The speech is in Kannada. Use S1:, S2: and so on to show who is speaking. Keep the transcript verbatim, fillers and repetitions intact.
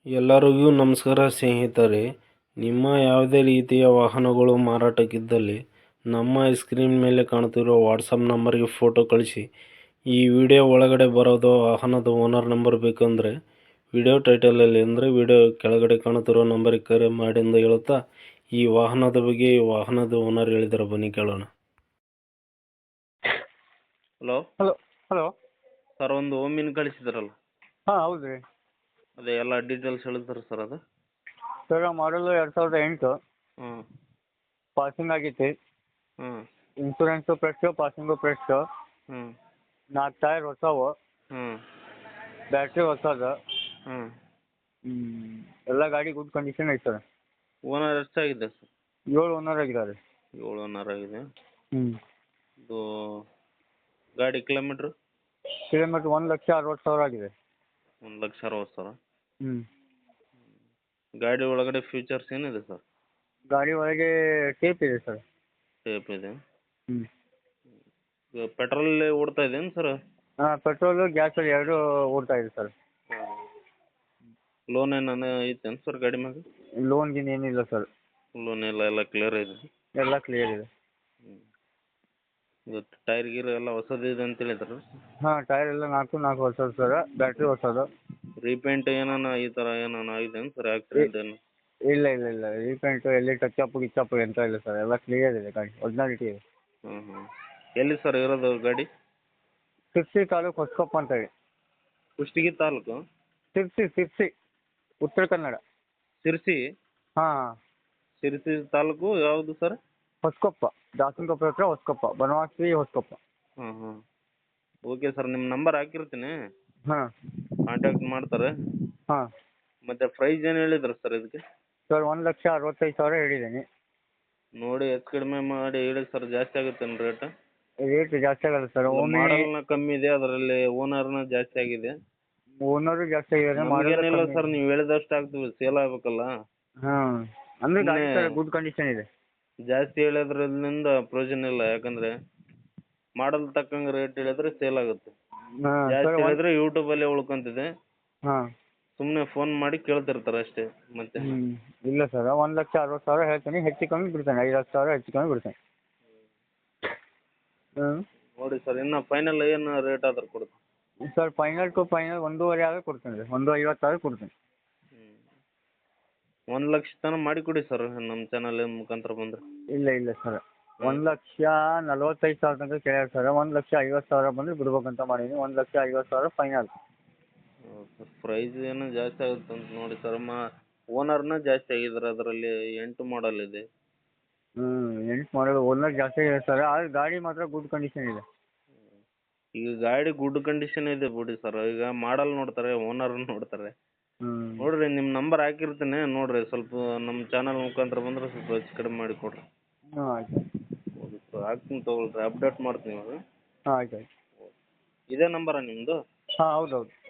S1: ಎಲ್ಲರಿಗೂ ನಮಸ್ಕಾರ ಸ್ನೇಹಿತರೆ. ನಿಮ್ಮ ಯಾವುದೇ ರೀತಿಯ ವಾಹನಗಳು ಮಾರಾಟಕ್ಕಿದ್ದಲ್ಲಿ ನಮ್ಮ ಸ್ಕ್ರೀನ್ ಮೇಲೆ ಕಾಣುತ್ತಿರುವ ವಾಟ್ಸಪ್ ನಂಬರ್ಗೆ ಫೋಟೋ ಕಳಿಸಿ. ಈ ವಿಡಿಯೋ ಒಳಗಡೆ ಬರೋದು ವಾಹನದ ಓನರ್ ನಂಬರ್ ಬೇಕಂದರೆ ವಿಡಿಯೋ ಟೈಟಲಲ್ಲಿ ಅಂದರೆ ವಿಡಿಯೋ ಕೆಳಗಡೆ ಕಾಣುತ್ತಿರೋ ನಂಬರಿಗೆ ಕರೆ ಮಾಡಿ ಎಂದು ಹೇಳುತ್ತಾ ಈ ವಾಹನದ ಬಗ್ಗೆ ಈ ವಾಹನದ ಓನರ್ ಹೇಳಿದ್ದಾರೆ, ಬನ್ನಿ ಕೇಳೋಣ. ಹಲೋ
S2: ಹಲೋ ಹಲೋ
S1: ಸರ್, ಒಂದು ಓಮಿನ್ ಕಳಿಸಿದ್ರಲ್ಲ,
S2: ಹಾಂ ಹೌದು ರೀ
S1: ಅದೇ ಎಲ್ಲ ಡೀಟೇಲ್ಸ್ ಹೇಳ್ತಾರೆ ಸರ್. ಅದು
S2: ಸರ್ ಮಾಡಲು ಎರಡು ಸಾವಿರದ ಎಂಟು
S1: ಹ್ಞೂ
S2: ಪಾಸಿಂಗ್ ಆಗೈತಿ.
S1: ಹ್ಞೂ
S2: ಇನ್ಶೂರೆನ್ಸು ಫ್ರೆಶ್ಶು, ಪಾಸಿಂಗು ಫ್ರೆಶ್ಶು,
S1: ಹ್ಞೂ
S2: ನಾಲ್ಕು ಟೈರ್ ಹೊಸವು,
S1: ಹ್ಞೂ
S2: ಬ್ಯಾಟ್ರಿ ಹೊಸದು,
S1: ಹ್ಞೂ
S2: ಎಲ್ಲ ಗಾಡಿ ಗುಡ್ ಕಂಡೀಷನ್ ಐತೆ ಸರ್.
S1: ಓನರ್ ಎಷ್ಟಾಗಿದೆ ಸರ್?
S2: ಏಳು ಓನರ್ ಆಗಿದ್ದಾರೆ.
S1: ಏಳು ಓನರ್ ಆಗಿದೆ.
S2: ಹ್ಞೂ
S1: ಇದು ಗಾಡಿ ಕಿಲೋಮೀಟ್ರು
S2: ಕಿಲೋಮೀಟ್ರ್ ಒಂದು ಲಕ್ಷ ಅರವತ್ತು ಸಾವಿರ ಆಗಿದೆ.
S1: ಒಂದು ಲಕ್ಷ ಅರವತ್ತು ಸಾವಿರ.
S2: ಹ್ಞೂ
S1: ಗಾಡಿ ಒಳಗಡೆ ಫ್ಯೂಚರ್ಸ್ ಏನಿದೆ ಸರ್?
S2: ಗಾಡಿ ಒಳಗೆ ಟೇಪ್ ಇದೆ ಸರ್.
S1: ಟೇಪ್ ಇದೆ.
S2: ಹ್ಞೂ
S1: ಇದು ಪೆಟ್ರೋಲಲ್ಲೇ ಓಡ್ತಾ ಇದೇನು ಸರ್?
S2: ಹಾಂ, ಪೆಟ್ರೋಲು ಗ್ಯಾಸಲ್ಲಿ ಎರಡೂ ಓಡ್ತಾ ಇದೆ ಸರ್.
S1: ಲೋನ್ ಏನಾನ ಐತೇನು ಸರ್ ಗಾಡಿ ಮ್ಯಾಗ?
S2: ಲೋನ್ ಗೀನ್ ಏನಿಲ್ಲ ಸರ್,
S1: ಲೋನ್ ಎಲ್ಲ ಎಲ್ಲ ಕ್ಲಿಯರ್ ಇದೆ.
S2: ಎಲ್ಲ ಕ್ಲಿಯರ್ ಇದೆ.
S1: ಹ್ಞೂ ಇದು ಟೈರ್ ಗೀರ್ ಎಲ್ಲ ಹೊಸದಿದೆ ಅಂತ ಹೇಳಿದ್ರು.
S2: ಹಾಂ, ಟೈರ್ ಎಲ್ಲ ನಾಲ್ಕು ನಾಲ್ಕು ಹೊಸದು ಸರ್, ಬ್ಯಾಟ್ರಿ ಹೊಸದು.
S1: ರೀಪೇಂಟ್ ಏನಾನ ಈ ಥರ ಏನಾನ ಆಗಿದೆಯೇನು ಸರ್? ಆಕ್ಸಿಡೆಂಟ್ ಏನು?
S2: ಇಲ್ಲ ಇಲ್ಲ ಇಲ್ಲ ರೀಪೇಂಟು ಎಲ್ಲಿ ಟಚ್ ಅಪ್ ಗಿಚ್ ಅಪ್ ಎಂತ ಇಲ್ಲ ಸರ್, ಎಲ್ಲ ಕ್ಲಿಯರ್ ಇದೆ ಗಾಡಿ, ಒರಿಜಿನಾಲಿಟಿ ಇದೆ.
S1: ಹ್ಞೂ ಹ್ಞೂ ಎಲ್ಲಿ ಸರ್ ಇರೋದು ಗಾಡಿ?
S2: ಸಿರ್ಸಿ ತಾಲೂಕು ಹೊಸಕೊಪ್ಪ ಅಂತ ಹೇಳಿ.
S1: ಕುಷ್ಟಗಿ ತಾಲೂಕು?
S2: ಸಿರ್ಸಿ ಸಿರ್ಸಿ ಉತ್ತರ ಕನ್ನಡ.
S1: ಶಿರ್ಸಿ?
S2: ಹಾಂ,
S1: ಶಿರ್ಸಿ ತಾಲೂಕು ಯಾವುದು ಸರ್?
S2: ಹೊಸಕೊಪ್ಪ, ದಾಸನಕೊಪ್ಪ ಹತ್ರ ಹೊಸಕೊಪ್ಪ, ಬನವಾಸಿ ಹೊಸಕೊಪ್ಪ.
S1: ಹಾಂ ಹಾಂ ಓಕೆ ಸರ್, ನಿಮ್ಮ ನಂಬರ್ ಹಾಕಿರ್ತೀನಿ,
S2: ಹಾಂ
S1: ಕಾಂಟ್ಯಾಕ್ಟ್ ಮಾಡ್ತಾರೆ.
S2: ಹಾಂ
S1: ಮತ್ತು ಪ್ರೈಸ್ ಏನು ಹೇಳಿದ್ರು ಸರ್ ಇದಕ್ಕೆ?
S2: ಸರ್ ಒಂದು ಲಕ್ಷ ಅರವತ್ತೈದು ಸಾವಿರ ಹೇಳಿದ್ದೀನಿ.
S1: ನೋಡಿ ಹೆಚ್ಚು ಕಡಿಮೆ ಮಾಡಿ ಹೇಳಿ ಸರ್, ಜಾಸ್ತಿ ಆಗುತ್ತೇನು ರೇಟ್?
S2: ರೇಟ್ ಜಾಸ್ತಿ ಆಗಲ್ಲ ಸರ್. ಒಮ್ಮೆ
S1: ಮಾಡಲ್ನ ಕಮ್ಮಿ ಇದೆ, ಅದರಲ್ಲಿ ಓನರ್ನ ಜಾಸ್ತಿ ಆಗಿದೆ.
S2: ಓನರು ಜಾಸ್ತಿ ಆಗಿದ್ದಾರೆ,
S1: ನಮಗೇನಿಲ್ಲ
S2: ಮಾಡಲ್ಲ
S1: ಸರ್, ನೀವು ಹೇಳಿದಷ್ಟು ಆಗ್ತದೆ, ಸೇಲ್ ಆಗ್ಬೇಕಲ್ಲ.
S2: ಹಾಂ, ಅಂದರೆ ಗಾಡಿ
S1: ಸುಮ್ನೆ
S2: ಸರ್ ಗುಡ್ ಕಂಡೀಷನ್ ಇದೆ.
S1: ಜಾಸ್ತಿ ಹೇಳೋದ್ರಿಂದ ಪ್ರಯೋಜನ ಇಲ್ಲ, ಯಾಕಂದರೆ ಮಾಡಲ್ ತಕ್ಕಂಗೆ ರೇಟ್ ಹೇಳಿದ್ರೆ ಸೇಲ್ ಆಗುತ್ತೆ.
S2: ಹಾಂ
S1: ಜಾಸ್ತಿ
S2: ಸರ್,
S1: ಹೇಳಿದ್ರೆ ಯೂಟ್ಯೂಬಲ್ಲೇ ಉಳ್ಕೊಂತಿದೆ,
S2: ಹಾಂ
S1: ಸುಮ್ಮನೆ ಫೋನ್ ಮಾಡಿ ಕೇಳ್ತಿರ್ತಾರೆ ಅಷ್ಟೇ. ಮತ್ತೆ
S2: ಹ್ಞೂ ಇಲ್ಲ ಸರ್, ಒಂದು ಲಕ್ಷ ಅರವತ್ತು ಸಾವಿರ ಹೇಳ್ತೀನಿ, ಹೆಚ್ಚು ಕಮ್ಮಿ ಬಿಡ್ತೇನೆ, ಐದು ಹತ್ತು ಸಾವಿರ ಹೆಚ್ಚು ಕಮ್ಮಿ ಬಿಡ್ತೇನೆ. ಹ್ಞೂ
S1: ನೋಡಿ ಸರ್, ಇನ್ನು ಫೈನಲ್ ಏನು ರೇಟ್ ಆದ್ರೆ ಕೊಡ್ತೀನಿ
S2: ಸರ್. ಫೈನಲ್ ಟು ಫೈನಲ್ ಒಂದೂವರೆ ಆದ್ರೆ ಕೊಡ್ತೀನಿ ರೀ, ಒಂದು ಐವತ್ತು ಆದ್ರೆ ಕೊಡ್ತೀನಿ.
S1: ಒಂದು ಲಕ್ಷ ತನಕ ಮಾಡಿ ಕೊಡಿ ಸರ್, ನಮ್ಮ ಚಾನಲ್ ಮುಖಾಂತರ ಬಂದರೆ.
S2: ಇಲ್ಲ ಇಲ್ಲ ಸರ್, ಒಂದು ಲಕ್ಷ ನಲ್ವತ್ತೈದು ಸಾವಿರ ತನಕ ಕೇಳ್ಯಾರ ಸರ್, ಒಂದು ಲಕ್ಷ ಐವತ್ತು ಸಾವಿರ ಬಂದರೆ ಬಿಡ್ಬೇಕಂತ ಮಾಡೀನಿ. ಒಂದು ಲಕ್ಷ ಐವತ್ತು ಸಾವಿರ ಫೈನಲ್.
S1: ಸರ್ ಪ್ರೈಸ್ ಏನೋ ಜಾಸ್ತಿ ಆಗುತ್ತೆ ಅಂತ ನೋಡಿ ಸರ್, ಮಾ ಓನರ್ನ ಜಾಸ್ತಿ ಆಗಿದ್ದಾರೆ, ಅದರಲ್ಲಿ ಎಂಟು ಮಾಡಲ್ ಇದೆ.
S2: ಹ್ಞೂ ಎಂಟು ಮಾಡಲ್ ಓನರ್ ಜಾಸ್ತಿ ಇದೆ ಸರ್, ಆದರೆ ಗಾಡಿ ಮಾತ್ರ ಗುಡ್ ಕಂಡೀಷನ್ ಇದೆ.
S1: ಈಗ ಗಾಡಿ ಗುಡ್ ಕಂಡೀಷನ್ ಇದೆ ಬಿಡಿ ಸರ್, ಈಗ ಮಾಡಲ್ ನೋಡ್ತಾರೆ, ಓನರ್ ನೋಡ್ತಾರೆ.
S2: ಹ್ಞೂ
S1: ನೋಡಿರಿ, ನಿಮ್ಮ ನಂಬರ್ ಹಾಕಿರ್ತೀನಿ, ನೋಡಿರಿ ಸ್ವಲ್ಪ ನಮ್ಮ ಚಾನಲ್ ಮುಖಾಂತರ ಬಂದರೆ ಸ್ವಲ್ಪ ಹೆಚ್ಚು ಕಡಿಮೆ ಮಾಡಿ ಕೊಡಿರಿ.
S2: ಹಾಂ ಆಯ್ತು
S1: ಹೌದು ಸರ್, ಹಾಕ್ತೀನಿ ತೊಗೊಳ್ರಿ, ಅಪ್ಡೇಟ್ ಮಾಡ್ತೀನಿ ಇವಾಗ.
S2: ಹಾಂ ಆಯ್ತು ಆಯ್ತು.
S1: ಇದೇ ನಂಬರಾ ನಿಮ್ಮದು?
S2: ಹಾಂ ಹೌದು ಹೌದು.